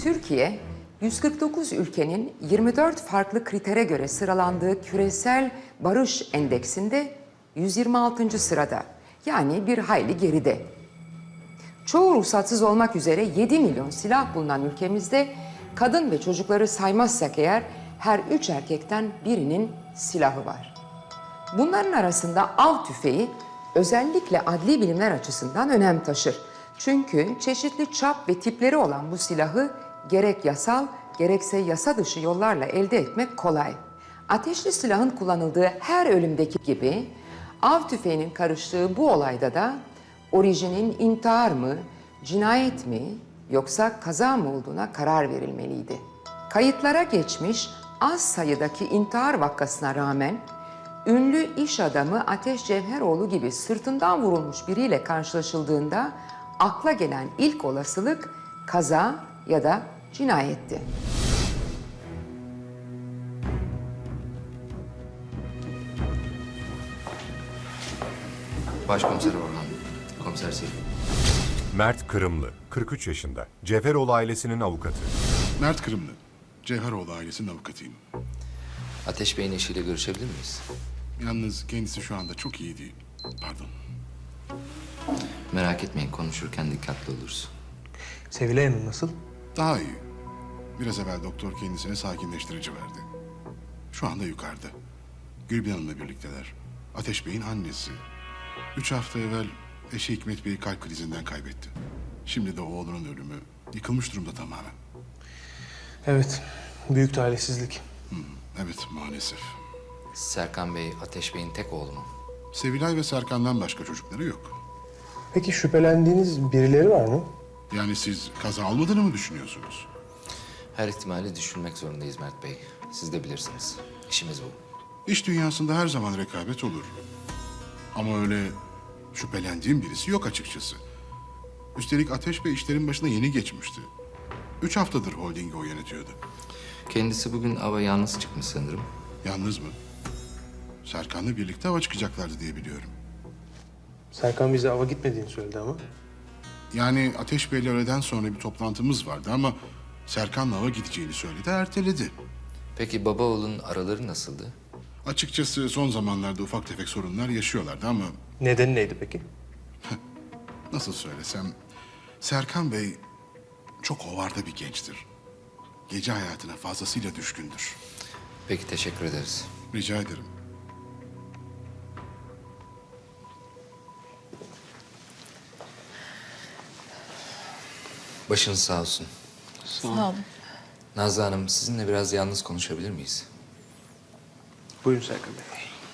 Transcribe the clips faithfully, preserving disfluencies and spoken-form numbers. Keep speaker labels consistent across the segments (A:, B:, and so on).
A: Türkiye, yüz kırk dokuz ülkenin yirmi dört farklı kritere göre sıralandığı küresel barış endeksinde yüz yirmi altıncı sırada. Yani bir hayli geride. Çoğu ruhsatsız olmak üzere yedi milyon silah bulunan ülkemizde kadın ve çocukları saymazsak eğer her üç erkekten birinin silahı var. Bunların arasında av tüfeği özellikle adli bilimler açısından önem taşır. Çünkü çeşitli çap ve tipleri olan bu silahı gerek yasal gerekse yasa dışı yollarla elde etmek kolay. Ateşli silahın kullanıldığı her ölümdeki gibi av tüfeğinin karıştığı bu olayda da orijinin intihar mı, cinayet mi yoksa kaza mı olduğuna karar verilmeliydi. Kayıtlara geçmiş az sayıdaki intihar vakasına rağmen ünlü iş adamı Ateş Cevheroğlu gibi sırtından vurulmuş biriyle karşılaşıldığında akla gelen ilk olasılık kaza ya da cinayetti.
B: Başkomiser Orhan, Komiser Selim.
C: Mert Kırımlı, kırk üç yaşında. Cevheroğlu ailesinin avukatı.
D: Mert Kırımlı, Cevheroğlu ailesinin avukatıyım.
B: Ateş Bey'in eşiyle görüşebilir miyiz?
D: Yalnız kendisi şu anda çok iyi değil. Pardon.
B: Merak etmeyin, konuşurken dikkatli oluruz.
E: Sevilay Hanım nasıl?
D: Daha iyi. Biraz evvel doktor kendisine sakinleştirici verdi. Şu anda yukarıda. Gülbin Hanım'la birlikteler. Ateş Bey'in annesi. Üç hafta evvel eşi Hikmet Bey'i kalp krizinden kaybetti. Şimdi de oğlunun ölümü. Yıkılmış durumda tamamen.
E: Evet, büyük talihsizlik.
D: Hı, evet, maalesef.
B: Serkan Bey, Ateş Bey'in tek oğlu mu?
D: Sevilay ve Serkan'dan başka çocukları yok.
E: Peki şüphelendiğiniz birileri var mı?
D: Yani siz kaza almadığını mı düşünüyorsunuz?
B: Her ihtimali düşünmek zorundayız Mert Bey. Siz de bilirsiniz. İşimiz bu.
D: İş dünyasında her zaman rekabet olur. Ama öyle şüphelendiğim birisi yok açıkçası. Üstelik Ateş Bey işlerin başına yeni geçmişti. Üç haftadır holdingi o yönetiyordu.
B: Kendisi bugün ava yalnız çıkmış sanırım.
D: Yalnız mı? Serkan'la birlikte hava çıkacaklardı diye biliyorum.
E: Serkan bize ava gitmediğini söyledi ama.
D: Yani Ateş Bey'le öğleden sonra bir toplantımız vardı ama Serkan'la hava gideceğini söyledi, erteledi.
B: Peki baba oğlun araları nasıldı?
D: Açıkçası son zamanlarda ufak tefek sorunlar yaşıyorlardı ama
E: Nedeni neydi peki?
D: nasıl söylesem... Serkan Bey çok hovarda bir gençtir. Gece hayatına fazlasıyla düşkündür.
B: Peki, teşekkür ederiz.
D: Rica ederim.
B: Başınız sağ olsun.
F: Sağ olun.
B: Nazlı Hanım, sizinle biraz yalnız konuşabilir miyiz?
E: Buyurun Serkan Bey.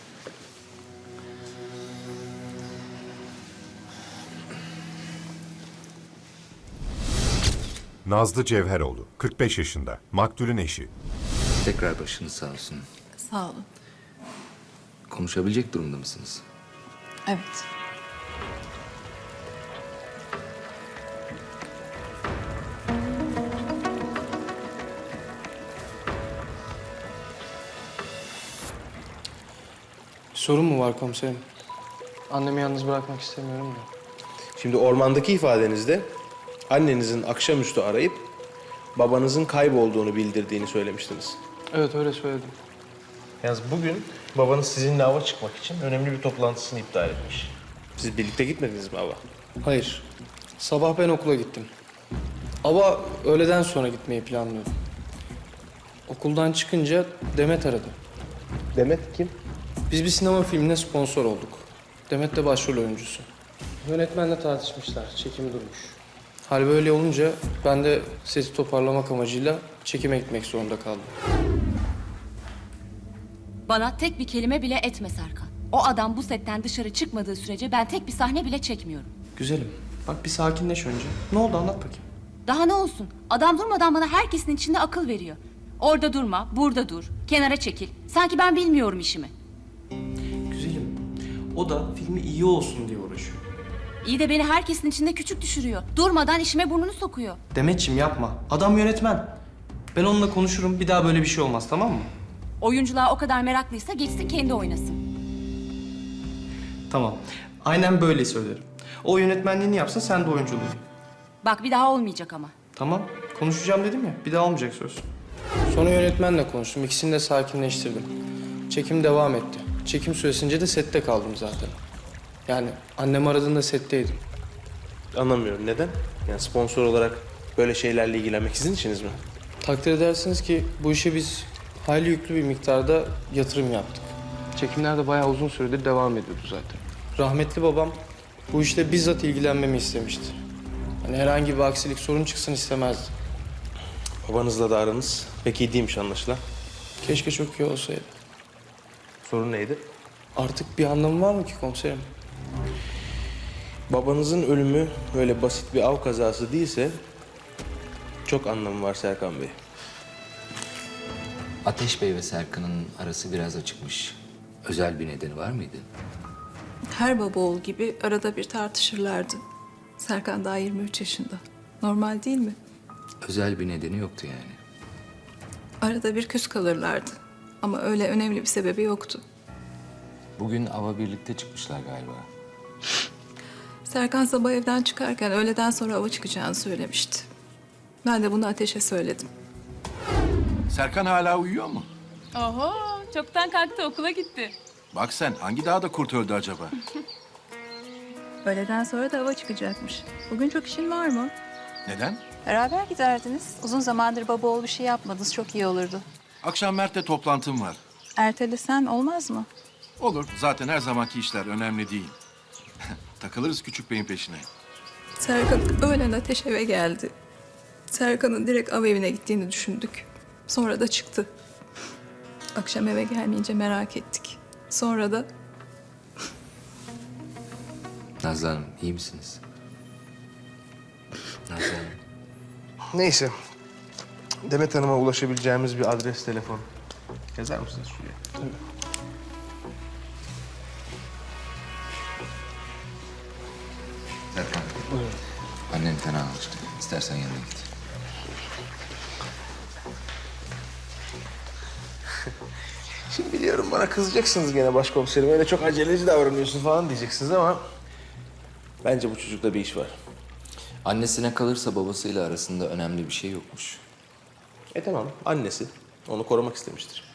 C: Nazlı Cevheroğlu, kırk beş yaşında. Maktulün eşi.
B: Tekrar başınız sağ olsun.
F: Sağ olun.
B: Konuşabilecek durumda mısınız?
F: Evet.
G: Sorun mu var komiserim? Annemi yalnız bırakmak istemiyorum da.
E: Şimdi ormandaki ifadenizde annenizin akşamüstü arayıp babanızın kaybolduğunu bildirdiğini söylemiştiniz.
G: Evet, öyle söyledim.
E: Yalnız bugün babanız sizinle ava çıkmak için önemli bir toplantısını iptal etmiş. Siz birlikte gitmediniz mi ava?
G: Hayır. Sabah ben okula gittim. Ama öğleden sonra gitmeyi planlıyordum. Okuldan çıkınca Demet aradı.
E: Demet kim?
G: Biz bir sinema filmine sponsor olduk. Demet de başrol oyuncusu. Yönetmenle tartışmışlar, çekimi durmuş. Hal böyle olunca ben de sesi toparlamak amacıyla çekime gitmek zorunda kaldım.
H: Bana tek bir kelime bile etme Serkan. O adam bu setten dışarı çıkmadığı sürece ben tek bir sahne bile çekmiyorum.
G: Güzelim, bak bir sakinleş önce. Ne oldu, anlat bakayım.
H: Daha ne olsun? Adam durmadan bana herkesin içinde akıl veriyor. Orada durma, burada dur, kenara çekil. Sanki ben bilmiyorum işimi.
G: Güzelim, o da filmi iyi olsun diye uğraşıyor.
H: İyi de beni herkesin içinde küçük düşürüyor. Durmadan işime burnunu sokuyor.
G: Demetciğim yapma, adam yönetmen. Ben onunla konuşurum, bir daha böyle bir şey olmaz, tamam mı?
H: Oyunculuğa o kadar meraklıysa geçsin kendi oynasın.
G: Tamam, aynen böyle söylerim. O yönetmenliğini yapsın, sen de oyunculuğunu.
H: Bak bir daha olmayacak ama.
G: Tamam, Konuşacağım dedim ya, bir daha olmayacak söz. Sonra yönetmenle konuştum, ikisini de sakinleştirdim. Çekim devam etti. Çekim süresince de sette kaldım zaten. Yani annem aradığında setteydim.
E: Anlamıyorum neden? Yani sponsor olarak böyle şeylerle ilgilenmek sizin işiniz mi?
G: Takdir edersiniz ki bu işe biz hayli yüklü bir miktarda yatırım yaptık. Çekimler de bayağı uzun süredir devam ediyordu zaten. Rahmetli babam bu işle bizzat ilgilenmemi istemişti. Hani herhangi bir aksilik, sorun çıksın istemezdi.
E: Babanızla da aranız pek iyi değilmiş anlaşılan.
G: Keşke çok iyi olsaydı.
E: Sorun neydi?
G: Artık bir anlamı var mı ki komiserim?
E: Babanızın ölümü öyle basit bir av kazası değilse çok anlamı var Serkan Bey.
B: Ateş Bey ve Serkan'ın arası biraz açıkmış. Özel bir nedeni var mıydı?
F: Her baba oğul gibi arada bir tartışırlardı. Serkan daha yirmi üç yaşında. Normal değil mi?
B: Özel bir nedeni yoktu yani.
F: Arada bir küs kalırlardı. Ama öyle önemli bir sebebi yoktu.
B: Bugün ava birlikte çıkmışlar galiba.
F: Serkan sabah evden çıkarken öğleden sonra ava çıkacağını söylemişti. Ben de bunu Ateş'e söyledim.
I: Serkan hala uyuyor mu?
H: Oho, çoktan kalktı, okula gitti.
I: Bak sen, hangi dağda kurt öldü acaba?
F: Öğleden sonra da ava çıkacakmış. Bugün çok işin var mı?
I: Neden?
F: Beraber giderdiniz. Uzun zamandır baba oğul bir şey yapmadınız. Çok iyi olurdu.
I: Akşam Mert'le toplantım var.
F: Ertelesen olmaz mı?
I: Olur, zaten her zamanki işler önemli değil. Takılırız küçük beyin peşine.
F: Serkan öğlen Ateş eve geldi. Serkan'ın direkt av evine gittiğini düşündük. Sonra da çıktı. Akşam eve gelmeyince merak ettik. Sonra da
B: Nazlı Hanım, iyi misiniz? Nazlı Hanım.
E: Neyse. Demet Hanım'a ulaşabileceğimiz bir adres, telefon. Yazar mısınız şuraya? Tabii.
B: Serkan. Buyurun. Annen fena alıştı. İstersen yanına git.
E: Şimdi biliyorum bana kızacaksınız gene başkomiserim. Öyle çok aceleci davranıyorsun falan diyeceksiniz ama... Bence bu çocukta bir iş var.
B: Annesine kalırsa babasıyla arasında önemli bir şey yokmuş.
E: E tamam, annesi. Onu korumak istemiştir.